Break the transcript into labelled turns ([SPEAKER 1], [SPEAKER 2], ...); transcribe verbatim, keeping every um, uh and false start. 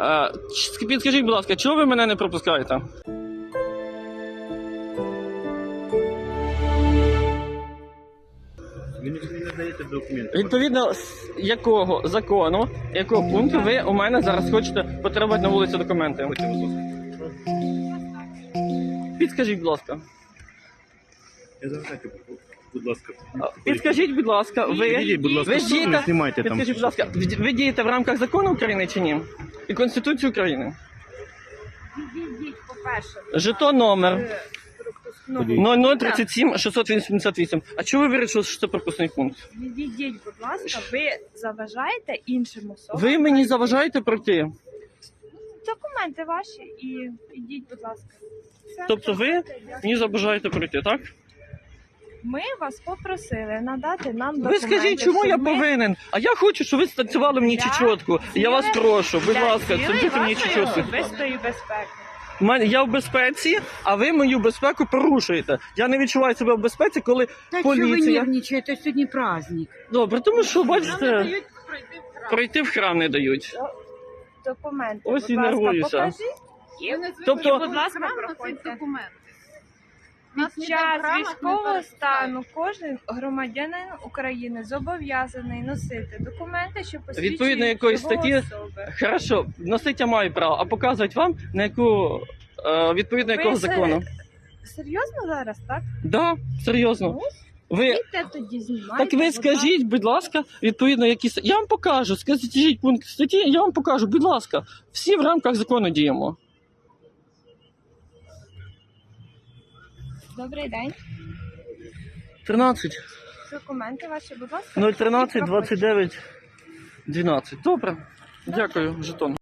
[SPEAKER 1] Е, Підскажіть, будь ласка, чого ви мене не пропускаєте?
[SPEAKER 2] Ви не даєте документи.
[SPEAKER 1] Відповідно, з якого закону, якого пункту ви у мене зараз хочете потребувати на вулиці документи? Підскажіть, будь ласка.
[SPEAKER 2] Я завжди, будь ласка.
[SPEAKER 1] Підскажіть, будь ласка, ви,
[SPEAKER 2] Підійдіть, будь ласка,
[SPEAKER 1] ви
[SPEAKER 2] в сторону,
[SPEAKER 1] дієте,
[SPEAKER 2] знімайте там.
[SPEAKER 1] підскажіть, будь ласка, ви дієте в рамках закону України чи ні? І Конституції України?
[SPEAKER 3] Відійдіть, по-перше.
[SPEAKER 1] Жетон номер
[SPEAKER 2] Ходіть.
[SPEAKER 1] нуль нуль тридцять сім шістсот вісімдесят вісім. А чого ви вирішили, що це пропускний пункт?
[SPEAKER 3] Відійдіть, будь ласка, ви заважаєте іншим особам.
[SPEAKER 1] Ви мені заважаєте пройти?
[SPEAKER 3] Документи ваші і ідіть, будь ласка. Все.
[SPEAKER 1] Тобто ви мені заважаєте пройти, так?
[SPEAKER 3] Ми вас попросили надати нам
[SPEAKER 1] Ви
[SPEAKER 3] документи.
[SPEAKER 1] скажіть, чому я
[SPEAKER 3] щоб ми
[SPEAKER 1] повинен? А я хочу, щоб ви станцювали мені
[SPEAKER 3] для
[SPEAKER 1] чечотку. Я вас
[SPEAKER 3] цілей-
[SPEAKER 1] прошу, будь
[SPEAKER 3] для
[SPEAKER 1] ласка,
[SPEAKER 3] цілей
[SPEAKER 1] станцюйте мені
[SPEAKER 3] вашої
[SPEAKER 1] чечотку.
[SPEAKER 3] особистої безпеки.
[SPEAKER 1] У мене- Я в безпеці, а ви мою безпеку порушуєте. Я не відчуваю себе в безпеці, коли
[SPEAKER 4] Да что вы
[SPEAKER 1] поліція...
[SPEAKER 4] нервничаете, сегодня праздник.
[SPEAKER 1] Добре, тому що, бачите, пройти в храм не дають.
[SPEAKER 3] Документи,
[SPEAKER 1] Ось
[SPEAKER 3] будь
[SPEAKER 1] і
[SPEAKER 3] ласка,
[SPEAKER 1] нервуюся.
[SPEAKER 3] покажіть.
[SPEAKER 1] Тобто-
[SPEAKER 3] І, будь ласка, проходьте. Під час військового стану кожен громадянин України зобов'язаний носити документи, що посвідчують
[SPEAKER 1] Відповідно якоїсь
[SPEAKER 3] його
[SPEAKER 1] статті?
[SPEAKER 3] особи.
[SPEAKER 1] Хорошо, носити я маю право, а показувати вам, на яку, е, відповідно
[SPEAKER 3] Ви
[SPEAKER 1] якого
[SPEAKER 3] се-
[SPEAKER 1] закону?
[SPEAKER 3] Серйозно зараз, так?
[SPEAKER 1] Да, серйозно. Ви...
[SPEAKER 3] Ідьте тоді знімайте.
[SPEAKER 1] Так ви
[SPEAKER 3] будь
[SPEAKER 1] скажіть, будь ласка, відповідно, які... с- Я вам покажу, скажіть пункт статті, я вам покажу, будь ласка. Всі в рамках закону діємо.
[SPEAKER 3] ласка. Добрий день.
[SPEAKER 1] тринадцять,
[SPEAKER 3] Документи ваші, будь ласка.
[SPEAKER 1] нуль тринадцять,
[SPEAKER 3] і проходьте.
[SPEAKER 1] двадцять дев'ять, дванадцять. Добре, дякую, жетон.